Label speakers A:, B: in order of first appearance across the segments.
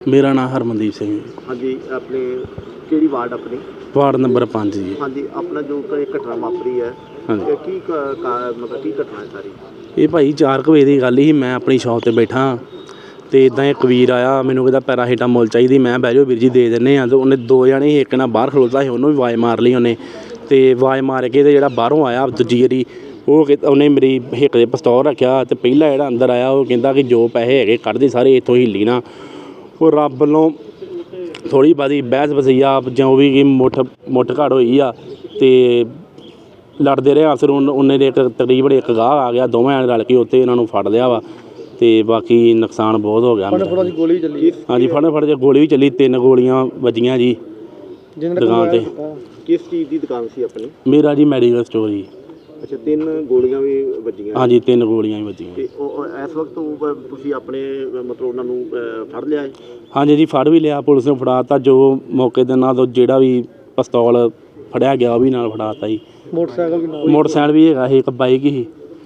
A: ਮੇਰਾ ਨਾਮ ਹਰਮਨਦੀਪ ਸਿੰਘ ਜੀ।
B: ਹਾਂਜੀ, ਆਪਣੇ ਕਿਹੜੀ ਵਾਰਡ ਆਪਣੀ?
A: ਵਾਰਡ ਨੰਬਰ 5 ਜੀ।
B: ਹਾਂਜੀ, ਆਪਣਾ ਜੋ ਇਹ ਘਟਨਾ ਵਾਪਰੀ ਹੈ,
A: ਹਾਂਜੀ,
B: ਇਹ ਕੀ ਮਤਲਬ ਕੀ ਘਟਨਾ ਹੈ ਸਾਰੀ?
A: ਇਹ ਭਾਈ 4 ਕੁ ਵਜੇ ਦੀ ਗੱਲ ਸੀ। ਮੈਂ ਆਪਣੀ ਸ਼ੌਪ 'ਤੇ ਬੈਠਾ ਅਤੇ ਇੱਦਾਂ ਇੱਕ ਵੀਰ ਆਇਆ, ਮੈਨੂੰ ਕਹਿੰਦਾ ਪੈਰਾਸੀਟਾਮੋਲ ਚਾਹੀਦੀ। ਮੈਂ ਬਹਿ ਜਾਓ ਵੀਰ ਜੀ ਦੇ ਦਿੰਦੇ ਹਾਂ। ਅਤੇ ਉਹਨੇ 2 ਜਣੇ ਸੀ, ਇੱਕ ਨਾਲ ਬਾਹਰ ਖਲੋਤਾ ਸੀ, ਉਹਨੂੰ ਵੀ ਆਵਾਜ਼ ਮਾਰ ਲਈ ਉਹਨੇ। ਅਤੇ ਆਵਾਜ਼ ਮਾਰ ਕੇ ਅਤੇ ਜਿਹੜਾ ਬਾਹਰੋਂ ਆਇਆ ਦੂਜੀ ਵਾਰੀ ਉਹਨੇ ਮੇਰੀ ਹਿੱਕ 'ਤੇ ਪਿਸਤੌਲ ਰੱਖਿਆ। ਅਤੇ ਪਹਿਲਾ ਜਿਹੜਾ ਅੰਦਰ ਆਇਆ ਉਹ ਕਹਿੰਦਾ ਕਿ ਜੋ ਪੈਸੇ ਹੈਗੇ ਕੱਢ ਦੇ ਸਾਰੇ, ਇੱਥੋਂ ਹਿੱਲੀ ਨਾ। ਉਹ ਰੱਬ ਵੱਲੋਂ ਥੋੜ੍ਹੀ ਬਹੁਤੀ ਬਹਿਸ ਵਸਈਆ ਜੋ ਵੀ ਮੁੱਠ ਘੜ ਹੋਈ ਆ ਅਤੇ ਲੜਦੇ ਰਹੇ। ਫਿਰ ਉਹਨੇ ਦੇ ਤਕਰੀਬਨ ਇੱਕ ਗਾਹ ਆ ਗਿਆ, ਦੋਵੇਂ ਜਣੇ ਰਲ ਕੇ ਉੱਥੇ ਇਹਨਾਂ ਨੂੰ ਫੜ ਲਿਆ ਵਾ। ਅਤੇ ਬਾਕੀ ਨੁਕਸਾਨ ਬਹੁਤ ਹੋ ਗਿਆ।
B: ਗੋਲੀ ਚੱਲੀ?
A: ਹਾਂਜੀ, ਫੜ 'ਚ ਗੋਲੀ ਵੀ ਚੱਲੀ, 3 ਗੋਲੀਆਂ ਵੱਜੀਆਂ ਜੀ ਦੁਕਾਨ 'ਤੇ।
B: ਕਿਸ ਚੀਜ਼ ਦੀ ਦੁਕਾਨ ਸੀ ਆਪਣੀ?
A: ਮੇਰਾ ਜੀ ਮੈਡੀਕਲ ਸਟੋਰ ਜੀ।
B: ਅੱਛਾ, 3 ਗੋਲੀਆਂ ਵੀ ਵੱਜੀਆਂ?
A: ਹਾਂਜੀ, 3 ਗੋਲੀਆਂ ਵੀ ਵੱਜੀਆਂ।
B: ਅਤੇ ਉਹ ਇਸ ਵਕਤ ਤੁਸੀਂ ਆਪਣੇ ਮਤਲਬ ਉਹਨਾਂ ਨੂੰ ਫੜ ਲਿਆ ਹੈ?
A: ਹਾਂਜੀ ਜੀ, ਫੜ ਵੀ ਲਿਆ, ਪੁਲਿਸ ਨੂੰ ਫੜਾ ਤਾ। ਜੋ ਮੌਕੇ ਦੇ ਨਾਲ ਜਿਹੜਾ ਵੀ ਪਿਸਤੌਲ ਫੜਿਆ ਗਿਆ ਉਹ ਵੀ ਨਾਲ ਫੜਾ ਤਾ ਜੀ। ਮੋਟਰਸਾਈਕਲ ਵੀ ਹੈਗਾ ਸੀ, ਇੱਕ ਬਾਈਕ ਸੀ।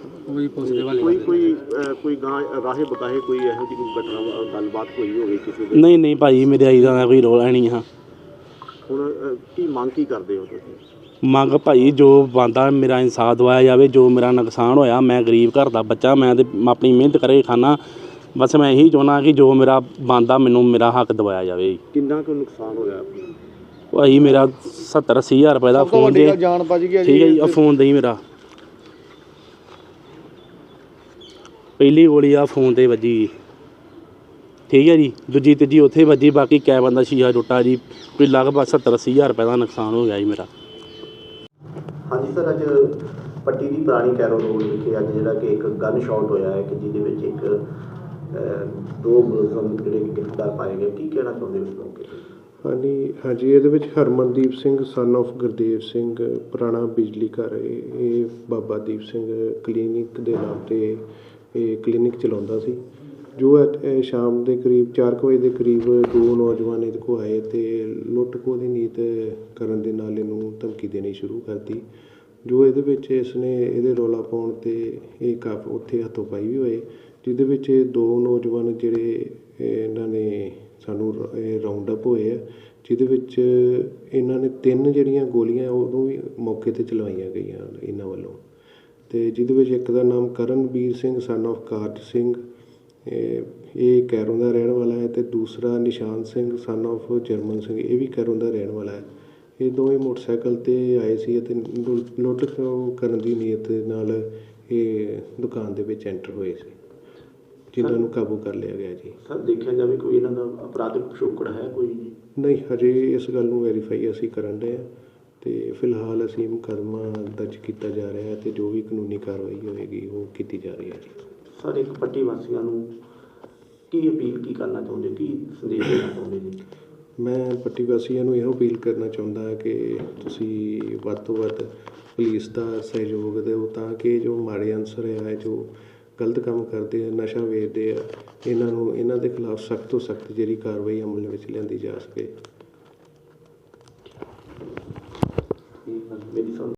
B: ਕੋਈ ਰਾਹੇ ਬਤਾਹੇ ਕੋਈ ਇਹੋ ਜਿਹੀ ਘਟਨਾ ਗੱਲਬਾਤ ਹੋਈ ਹੋਵੇ ਕਿਸੇ ਦੇ?
A: ਨਹੀਂ ਭਾਈ, ਮੇਰੇ ਆਈ ਦਾ ਕੋਈ ਰੋਲ ਹੈ ਨਹੀਂ ਹਾਂ।
B: ਹੁਣ ਕੀ ਮੰਗ ਕੀ ਕਰਦੇ ਹੋ ਤੁਸੀਂ?
A: ਮੰਗ ਭਾਈ ਜੋ ਬਣਦਾ ਮੇਰਾ ਇਨਸਾਫ ਦਵਾਇਆ ਜਾਵੇ। ਜੋ ਮੇਰਾ ਨੁਕਸਾਨ ਹੋਇਆ, ਮੈਂ ਗਰੀਬ ਘਰ ਦਾ ਬੱਚਾ, ਮੈਂ ਤਾਂ ਆਪਣੀ ਮਿਹਨਤ ਕਰਕੇ ਖਾਨਾ। ਬਸ ਮੈਂ ਇਹੀ ਚਾਹੁੰਦਾ ਕਿ ਜੋ ਮੇਰਾ ਬਣਦਾ ਮੈਨੂੰ ਮੇਰਾ ਹੱਕ ਦਵਾਇਆ ਜਾਵੇ।
B: ਕਿੰਨਾ ਕੁ ਨੁਕਸਾਨ ਹੋਇਆ
A: ਭਾਈ ਮੇਰਾ 70-80 ਹਜ਼ਾਰ ਰੁਪਏ ਦਾ ਫੋਨ ਦੇ।
B: ਜਾਨ ਬਚ ਗਿਆ
A: ਠੀਕ ਹੈ ਜੀ, ਆ ਫੋਨ ਦੇ ਮੇਰਾ ਪਹਿਲੀ ਗੋਲੀ ਆ ਫੋਨ 'ਤੇ ਵੱਜੀ। ਠੀਕ ਹੈ ਜੀ, ਦੂਜੀ ਤੀਜੀ ਉੱਥੇ ਵੱਜੀ। ਬਾਕੀ ਕੈਬਨ ਦਾ ਸ਼ੀਸ਼ਾ ਟੁੱਟਾ ਜੀ। ਕੋਈ ਲਗਭਗ 70-80 ਹਜ਼ਾਰ ਰੁਪਏ ਦਾ ਨੁਕਸਾਨ ਹੋ ਗਿਆ ਜੀ ਮੇਰਾ।
B: ਹਾਂਜੀ ਸਰ, ਅੱਜ ਪੱਟੀ ਦੀ ਪੁਰਾਣੀ ਕੈਰੋ ਰੋਡ ਵਿਖੇ ਅੱਜ ਜਿਹੜਾ ਕਿ ਇੱਕ ਗਨ ਸ਼ਾਟ ਹੋਇਆ ਹੈ ਕਿ ਜਿਹਦੇ ਵਿੱਚ ਇੱਕ 2 ਮੁਲਜ਼ਮ ਜਿਹੜੇ ਕਿ ਗ੍ਰਿਫਤਾਰ ਪਾਏ ਗਏ, ਕੀ ਕਹਿਣਾ ਚਾਹੁੰਦੇ ਹੋ ਇਸ ਮੌਕੇ 'ਤੇ?
C: ਹਾਂਜੀ, ਇਹਦੇ ਵਿੱਚ ਹਰਮਨਦੀਪ ਸਿੰਘ ਸਨ ਆਫ ਗੁਰਦੇਵ ਸਿੰਘ, ਪੁਰਾਣਾ ਬਿਜਲੀ ਘਰ, ਇਹ ਬਾਬਾ ਦੀਪ ਸਿੰਘ ਕਲੀਨਿਕ ਦੇ ਨਾਮ 'ਤੇ ਇਹ ਕਲੀਨਿਕ ਚਲਾਉਂਦਾ ਸੀ। ਜੋ ਸ਼ਾਮ ਦੇ ਕਰੀਬ 4 ਵਜੇ ਦੇ ਕਰੀਬ 2 ਨੌਜਵਾਨ ਇਹਦੇ ਕੋਲ ਆਏ ਅਤੇ ਲੁੱਟ ਖੋਹ ਦੀ ਨੀਤ ਕਰਨ ਦੇ ਨਾਲ ਇਹਨੂੰ ਧਮਕੀ ਦੇਣੀ ਸ਼ੁਰੂ ਕਰਤੀ। ਜੋ ਇਹਦੇ ਵਿੱਚ ਇਸਨੇ ਇਹਦੇ ਰੌਲਾ ਪਾਉਣ 'ਤੇ ਇਹ ਉੱਥੇ ਹੱਥੋਂ ਪਾਈ ਵੀ ਹੋਏ, ਜਿਹਦੇ ਵਿੱਚ 2 ਨੌਜਵਾਨ ਜਿਹੜੇ ਇਹਨਾਂ ਨੇ ਸਾਨੂੰ ਰਾਊਂਡ ਅਪ ਹੋਏ ਆ, ਜਿਹਦੇ ਵਿੱਚ ਇਹਨਾਂ ਨੇ 3 ਜਿਹੜੀਆਂ ਗੋਲੀਆਂ ਉਦੋਂ ਵੀ ਮੌਕੇ 'ਤੇ ਚਲਵਾਈਆਂ ਗਈਆਂ ਇਹਨਾਂ ਵੱਲੋਂ। ਅਤੇ ਜਿਹਦੇ ਵਿੱਚ ਇੱਕ ਦਾ ਨਾਮ ਕਰਨਵੀਰ ਸਿੰਘ ਸਨ ਆਫ ਕਾਰਜ ਸਿੰਘ, ਇਹ ਕੈਰੋਂ ਦਾ ਰਹਿਣ ਵਾਲਾ ਹੈ, ਅਤੇ ਦੂਸਰਾ ਨਿਸ਼ਾਨ ਸਿੰਘ ਸਨ ਆਫ ਜਰਮਨ ਸਿੰਘ, ਇਹ ਵੀ ਕੈਰੋਂ ਦਾ ਰਹਿਣ ਵਾਲਾ ਹੈ। ਇਹ ਦੋਵੇਂ ਮੋਟਰਸਾਈਕਲ 'ਤੇ ਆਏ ਸੀ ਅਤੇ ਲੁੱਟ ਕਰਨ ਦੀ ਨੀਅਤ ਨਾਲ ਇਹ ਦੁਕਾਨ ਦੇ ਵਿੱਚ ਐਂਟਰ ਹੋਏ ਸੀ, ਜਿਨ੍ਹਾਂ ਨੂੰ ਕਾਬੂ ਕਰ ਲਿਆ ਗਿਆ ਜੀ।
B: ਸਰ, ਦੇਖਿਆ ਜਾਵੇ ਕੋਈ ਇਹਨਾਂ ਦਾ ਅਪਰਾਧਿਕ ਪਿਛੋਕੜ ਹੈ ਕੋਈ?
C: ਨਹੀਂ, ਹਜੇ ਇਸ ਗੱਲ ਨੂੰ ਵੈਰੀਫਾਈ ਅਸੀਂ ਕਰਨ ਰਹੇ ਹਾਂ, ਅਤੇ ਫਿਲਹਾਲ ਅਸੀਂ ਮੁਕੱਦਮਾ ਦਰਜ ਕੀਤਾ ਜਾ ਰਿਹਾ ਹੈ ਅਤੇ ਜੋ ਵੀ ਕਾਨੂੰਨੀ ਕਾਰਵਾਈ ਹੋਏਗੀ ਉਹ ਕੀਤੀ ਜਾ ਰਹੀ ਹੈ ਜੀ।
B: ਸਰ, ਇੱਕ ਪੱਟੀ ਵਾਸੀਆਂ ਨੂੰ ਕੀ ਅਪੀਲ ਕੀ ਕਰਨਾ ਚਾਹੁੰਦੇ, ਕੀ ਸੰਦੇਸ਼ ਦੇਣਾ ਚਾਹੁੰਦੇ ਜੀ?
C: ਮੈਂ ਪੱਟੀ ਵਾਸੀਆਂ ਨੂੰ ਇਹੋ ਅਪੀਲ ਕਰਨਾ ਚਾਹੁੰਦਾ ਹਾਂ ਕਿ ਤੁਸੀਂ ਵੱਧ ਤੋਂ ਵੱਧ ਪੁਲਿਸ ਦਾ ਸਹਿਯੋਗ ਦਿਓ, ਤਾਂ ਕਿ ਜੋ ਮਾੜੇ ਅਨਸਰ ਆ, ਜੋ ਗਲਤ ਕੰਮ ਕਰਦੇ ਆ, ਨਸ਼ਾ ਵੇਚਦੇ ਆ, ਇਹਨਾਂ ਦੇ ਖਿਲਾਫ ਸਖਤ ਤੋਂ ਸਖਤ ਜਿਹੜੀ ਕਾਰਵਾਈ ਅਮਲ ਵਿੱਚ ਲਿਆਂਦੀ ਜਾ ਸਕੇ।